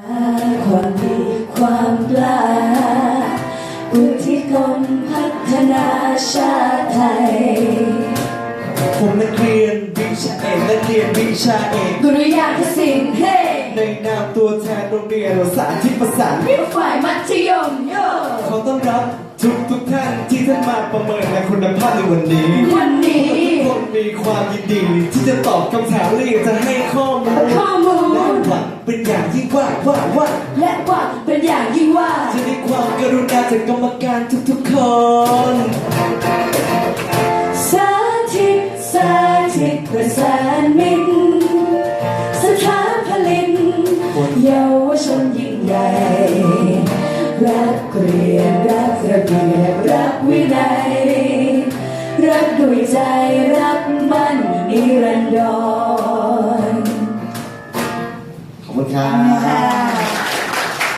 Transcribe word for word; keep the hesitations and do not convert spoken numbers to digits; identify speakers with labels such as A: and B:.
A: ความดีความกล้าอุทิศกลพัฒนาชาติไทย
B: ผมนักเรียนวิชาเอกนักเรียนวิชาเอก
A: ดุริยางคศิลป์เฮ้
B: ในนามตัวแทนโรงเรียนสาธิตประสาน
A: วิทยฝ่ายมัธยมโย
B: ขอต้อนรับทุกทุกท่านที่ท่านมาประเมินในคุณภาพในวันนี้
A: วันนี้
B: ทุกคนมีความยินดีที่จะตอบคำถามและอยากจะให้ข้อมูล
A: ข้อมูล
B: และหวังเป็นอย่างยิ่งว่าว่าว่า
A: และหวังเป็นอย่างยิ่งว่า
B: จะได้ความกรุณาจากกรรมการทุกๆคน
A: สาธิตสาธิตประสานมิตรสถานผลิตเยาวชนยิ่งใหญ่รักเรียนรักระเบียบรักวินัยรักด้วยใจรักมั่นนิรันดร
B: ขอบคุณครับ